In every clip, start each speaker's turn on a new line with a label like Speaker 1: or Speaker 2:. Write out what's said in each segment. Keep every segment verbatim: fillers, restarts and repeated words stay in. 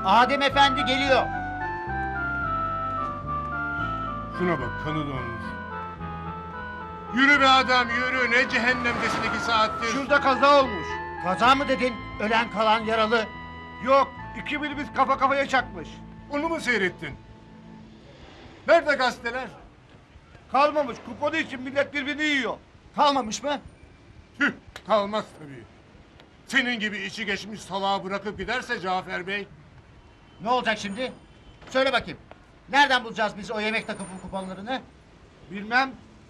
Speaker 1: Adem Efendi geliyor.
Speaker 2: Şuna bak, kanı donmuş. Yürü be adam, yürü. Ne cehennemdesin iki saattir.
Speaker 3: Şurada kaza olmuş.
Speaker 1: Kaza mı dedin? Ölen kalan yaralı.
Speaker 3: Yok, iki minibüs kafa kafaya çakmış.
Speaker 2: Onu mu seyrettin? Nerede gazeteler?
Speaker 3: Kalmamış, kuponu için millet birbirini yiyor.
Speaker 1: Kalmamış mı?
Speaker 2: Tüh, kalmaz tabii. Senin gibi içi geçmiş salağı bırakıp giderse Cafer Bey...
Speaker 1: Ne olacak şimdi? Söyle bakayım. Nereden bulacağız biz o yemek takımı kuponlarını?
Speaker 3: Bilmem.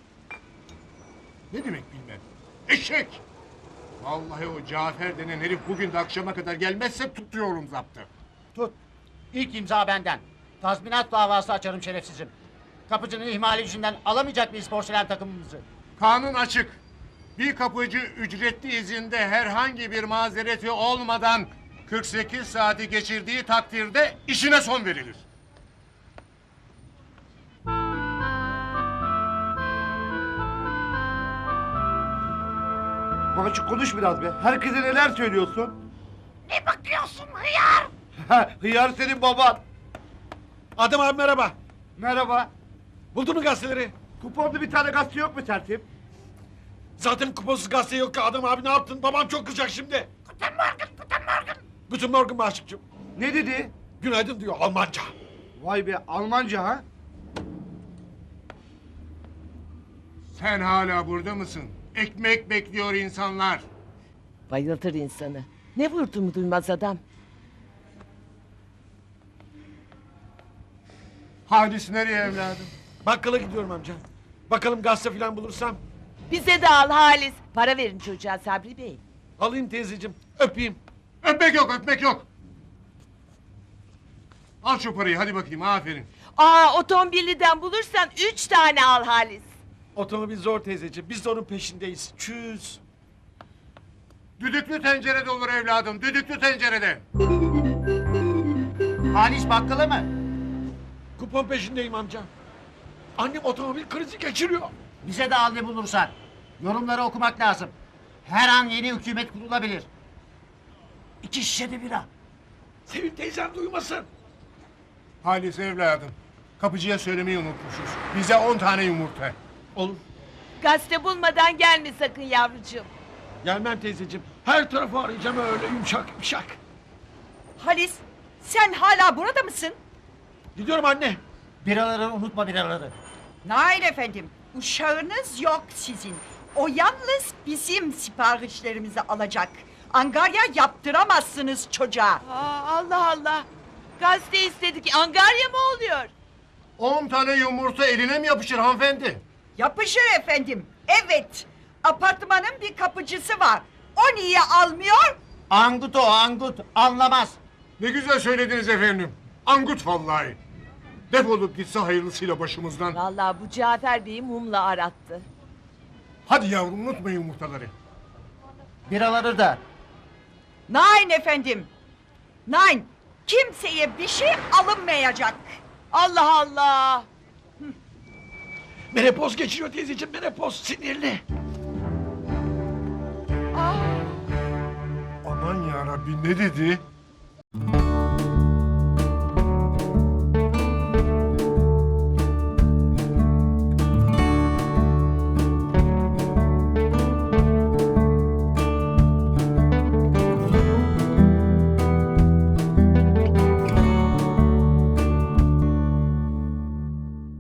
Speaker 2: Ne demek bilmem. Eşek! Vallahi o Cafer denen herif bugün de akşama kadar gelmezse tutuyorum zaptı.
Speaker 1: Tut. İlk imza benden. Tazminat davası açarım şerefsizim. Kapıcının ihmali yüzünden alamayacak mıyız porselen takımımızı?
Speaker 2: Kanun açık. Bir kapıcı ücretli izinde herhangi bir mazereti olmadan kırk sekiz saati geçirdiği takdirde işine son verilir.
Speaker 3: Babacık konuş biraz be. Herkese neler söylüyorsun?
Speaker 1: Ne bakıyorsun hıyar?
Speaker 3: Hıyar senin baban.
Speaker 4: Adem abi merhaba.
Speaker 3: Merhaba.
Speaker 4: Buldun mu gazeteleri?
Speaker 3: Kuponlu bir tane gazete yok mu tertip?
Speaker 4: Zaten kuponsuz gazete yok ki Adem abi ne yaptın? Babam çok kızacak şimdi.
Speaker 1: Guten Morgen, Guten Morgen.
Speaker 4: Guten Morgen Maşıkçım.
Speaker 3: Ne dedi?
Speaker 4: Günaydın diyor Almanca.
Speaker 3: Vay be, Almanca ha?
Speaker 2: Sen hala burada mısın? Ekmek bekliyor insanlar.
Speaker 5: Bayıltır insanı. Ne vurduğumu duymaz adam.
Speaker 2: Halis nereye evladım?
Speaker 4: Bakkala gidiyorum amca. Bakalım gazete falan bulursam.
Speaker 5: Bize de al Halis. Para verin çocuğa Sabri Bey.
Speaker 4: Alayım teyzeciğim. Öpeyim.
Speaker 2: Öpmek yok, öpmek yok. Al şu parayı, hadi bakayım, aferin.
Speaker 5: Aa otomobilden bulursan üç tane al Halis.
Speaker 4: Otomobil zor teyzeciğim. Biz de onun peşindeyiz. Çüz.
Speaker 2: Düdüklü tencerede olur evladım, düdüklü tencerede.
Speaker 1: Halis bakkala mı?
Speaker 4: Kupon peşindeyim amca. Annem otomobil krizi geçiriyor.
Speaker 1: Bize de al ne bulursan. Yorumları okumak lazım. Her an yeni hükümet kurulabilir. İki şişe de bira.
Speaker 4: Sevin teyzem duymasın.
Speaker 2: Halis evladım, kapıcıya söylemeyi unutmuşuz. Bize on tane yumurta.
Speaker 4: Olur.
Speaker 5: Gazete bulmadan gelme sakın yavrucuğum.
Speaker 4: Gelmem teyzeciğim. Her tarafı arayacağım öyle yumuşak yumuşak.
Speaker 6: Halis, sen hala burada mısın?
Speaker 4: Gidiyorum anne.
Speaker 1: Biraları unutma biraları.
Speaker 6: Nein efendim, uşağınız yok sizin. O yalnız bizim siparişlerimizi alacak. Angarya yaptıramazsınız çocuğa.
Speaker 5: Aa, Allah Allah. Gazete istedik. Angarya mı oluyor?
Speaker 2: On tane yumurta eline mi yapışır hanımefendi?
Speaker 6: Yapışır efendim, evet. Apartmanın bir kapıcısı var. O niye almıyor?
Speaker 1: Angut o angut. Anlamaz.
Speaker 2: Ne güzel söylediniz efendim. Angut vallahi. Defolup gitse hayırlısıyla başımızdan.
Speaker 5: Vallahi bu Cafer Bey'i mumla arattı.
Speaker 2: Hadi yavrum unutma yumurtaları.
Speaker 1: Biraları da.
Speaker 6: Nein efendim. Nein, kimseye bir şey alınmayacak.
Speaker 5: Allah Allah.
Speaker 4: Menopoz geçiriyor teyzeciğim menopoz sinirli.
Speaker 2: Aman yarabbi ne dedi?